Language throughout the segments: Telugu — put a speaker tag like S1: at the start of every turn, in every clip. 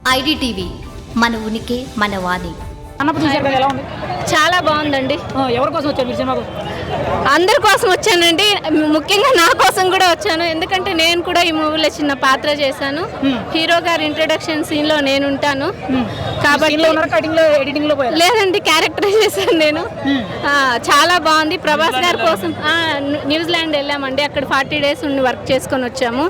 S1: ఐడిటీవీ మన ఉనికి మన వాణి.
S2: చాలా బాగుందండి.
S3: ఎవరి కోసం వచ్చారు మీరు సినిమాకు?
S2: అందరి కోసం వచ్చానండి, ముఖ్యంగా నా కోసం కూడా వచ్చాను. ఎందుకంటే నేను కూడా ఈ మూవీలో చిన్న పాత్ర చేశాను. హీరో గారి ఇంట్రొడక్షన్ సీన్ లో నేను ఉంటాను కాబట్టి లేదండి, క్యారెక్టర్ చేశాను నేను. చాలా బాగుంది. ప్రభాస్ గారి కోసం న్యూజిలాండ్ వెళ్ళామండి, అక్కడ 40 days ఉండి వర్క్ చేసుకొని వచ్చాము.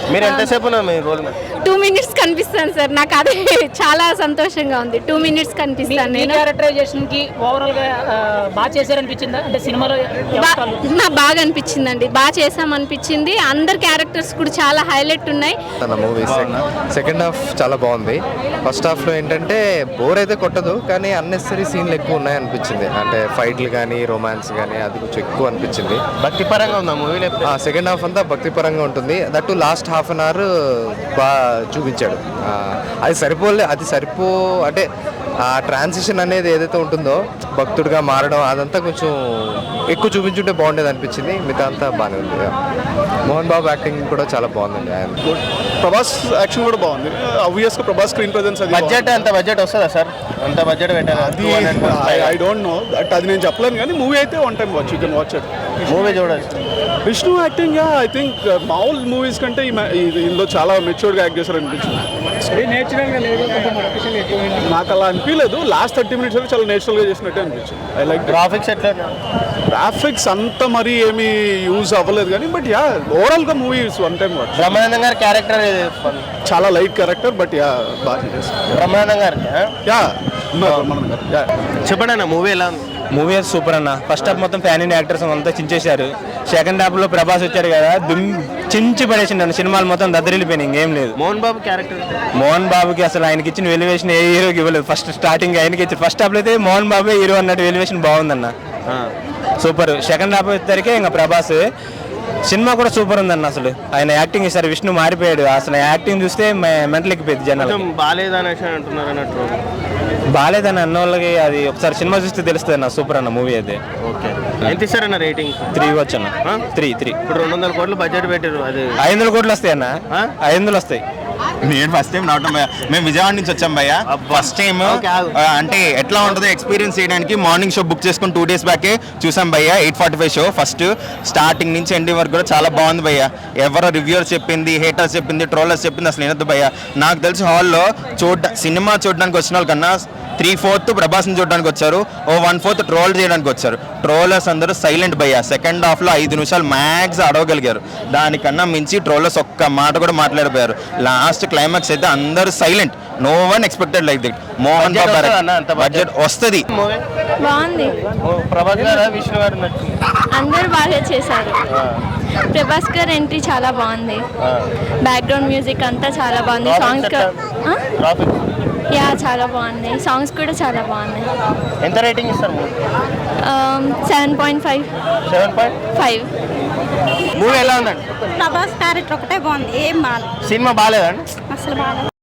S2: 2 minutes కనిపిస్తాను సార్, నాకు అది చాలా సంతోషంగా ఉంది. 2 minutes కనిపిస్తాను నేను.
S3: క్యారెక్టరైజేషన్ కి ఓవరాల్ గా బాగా చేశారనిపించిందా? అంటే సినిమాలో
S2: నాకు బాగా అనిపించిందండి, బాగా చేసామనిపించింది. అందరు క్యారెక్టర్స్ కూడా చాలా హైలైట్ ఉన్నాయి.
S4: సెకండ్ హాఫ్ చాలా బాగుంది. ఫస్ట్ హాఫ్ లో ఏంటంటే బోర్ అయితే కొట్టదు, కానీ అన్నెసరీ సీన్లు ఎక్కువ ఉన్నాయి అనిపించింది. అంటే ఫైట్లు కానీ రొమాన్స్ కానీ అది కొంచెం ఎక్కువ అనిపించింది.
S5: భక్తి పరంగా ఉందా మూవీ?
S4: సెకండ్ హాఫ్ అంతా భక్తి పరంగా ఉంటుంది. That last half an hour బాగా చూపించాడు. అది అంటే ఆ ట్రాన్సిషన్ అనేది ఏదైతే ఉంటుందో భక్తుడిగా మారడం అదంతా కొంచెం ఎక్కువ చూపించుంటే బాగుండేది అనిపించింది. మిగతా అంతా బాగానే ఉంది. మోహన్ బాబు యాక్టింగ్ కూడా చాలా బాగుందండి. ఆయన
S6: ప్రభాస్ యాక్షన్ కూడా బాగుంది. ఆబ్వియస్గా ప్రభాస్ స్క్రీన్ ప్రెజెన్స్
S5: బడ్జెట్ వస్తుందా సార్? అంత బడ్జెట్ పెట్టాలి?
S6: ఐ డోంట్ నో దట్, అది నేను చెప్పలేను. కానీ మూవీ అయితే one time watch, you can watch it.
S5: Movie చూడొచ్చు.
S6: విష్ణు యాక్టింగ్ ఐ థింక్ మామూలు మూవీస్ కంటే ఇందులో చాలా మెచ్యూర్డ్గా యాక్ట్ చేశారు అనిపించింది. నాకు అలా అనిపించలేదు. లాస్ట్ 30 minutes అయితే చాలా నేచురల్గా చేసినట్టే అనిపించింది. ఐ లైక్
S5: గ్రాఫిక్స్ ఎట్లా?
S6: గ్రాఫిక్స్ అంత మరీ ఏమీ యూజ్ అవ్వలేదు కానీ బట్ యా ఓవరాల్గా movie one time watch.
S5: Brahmanandam గారి క్యారెక్టర్
S6: చాలా లైట్ క్యారెక్టర్ బట్ యా బాగా చేశారు.
S5: బ్రహ్మానందం గారు
S6: చెప్పండి
S5: అన్న, మూవీ ఎలా ఉంది?
S7: మూవీ సూపర్ అన్న. ఫస్ట్ హాఫ్ మొత్తం ఫ్యాన్ ఇండియా యాక్టర్స్ అంతా చించేశారు. సెకండ్ హాఫ్ లో ప్రభాస్ వచ్చారు కదా, చించి పడేసిండు అన్న. సినిమాలు మొత్తం దద్దరిల్లిపోయినాయి, ఇంకేం లేదు.
S5: మోహన్ బాబు క్యారెక్టర్,
S7: మోహన్ బాబుకి అసలు ఆయనకి ఇచ్చిన ఎలివేషన్ ఏ హీరోకి ఇవ్వలేదు. ఫస్ట్ స్టార్టింగ్ ఆయనకి ఇచ్చి ఫస్ట్ హాఫ్ లో అయితే మోహన్ బాబే హీరో అన్నట్టు ఎలివేషన్ బాగుందన్న, సూపర్. సెకండ్ హాఫ్ వచ్చేసరికి ఇంకా ప్రభాస్ సినిమా కూడా సూపర్ ఉందన్న. అసలు ఆయన యాక్టింగ్ ఇస్తారు, విష్ణు మారిపోయాడు. అసలు యాక్టింగ్ చూస్తే మెంటల్ ఎక్కిపోయింది జనాలు. బాగాలేదని అన్న వాళ్ళకి అది ఒకసారి సినిమా చూస్తే తెలుస్తుంది అన్న. సూపర్ అన్న మూవీ అయితే.
S5: ఓకే, ఎంత ఇస్తారన్న రేటింగ్?
S7: 3 ఇవ్వచ్చు అన్న. 3.
S5: ఇప్పుడు 200 కోట్లు బడ్జెట్ పెట్టారు, అది
S7: 500 కోట్లు వస్తాయి అన్న. 500 వస్తాయి.
S8: నేను ఫస్ట్ టైం రావటం భయ్య, మేము విజయవాడ నుంచి వచ్చాం భయ్య. ఫస్ట్ టైం అంటే ఎట్లా ఉంటుందో ఎక్స్పీరియన్స్ చేయడానికి మార్నింగ్ షో బుక్ చేసుకుని 2 days బ్యాకే చూసాం భయ్య. 8:45 షో. ఫస్ట్ స్టార్టింగ్ నుంచి ఎండింగ్ వరకు కూడా చాలా బాగుంది భయ్య. ఎవరో రివ్యూవర్స్ చెప్పింది, హేటర్స్ చెప్పింది, ట్రోలర్స్ చెప్పింది అసలు వినొద్దు భయ్య. నాకు తెలిసి హాల్లో సినిమా చూడడానికి వచ్చిన వాళ్ళకన్నా 3/4 ప్రభాస్ని చూడడానికి వచ్చారు, 1/4 ట్రోల్ చేయడానికి వచ్చారు. ట్రోలర్స్ అందరూ సైలెంట్ భయ్య. సెకండ్ హాఫ్ లో 5 నిమిషాలు మ్యాక్స్ అడవగలిగారు, దానికన్నా మించి ట్రోలర్స్ ఒక్క మాట కూడా మాట్లాడిపోయారు. లాస్ట్ క్లైమాక్స్ అయితే అందరూ silent. No one expected like that. Mohan Babu budget వస్తుంది.
S2: బాగుంది.
S5: ప్రభాస్ గారు, విష్ణు గారు
S2: అందరూ బాగా చేశారు. ప్రభాస్ గారు ఎంట్రీ చాలా బాగుంది. బ్యాక్గ్రౌండ్ మ్యూజిక్ అంతా చాలా బాగుంది. సాంగ్స్ చాలా బాగుంది. సాంగ్స్ కూడా చాలా బాగున్నాయి.
S5: ఎంత రేటింగ్ ఇస్తారు?
S2: 7.5.
S5: మూవీ ఎలా ఉందండి?
S9: ప్రభాస్ క్యారెక్టర్ ఒకటే బాగుంది, ఏం బాగాలేదు.
S5: సినిమా బాగాలేదండి
S9: అసలు బాగాలేదు.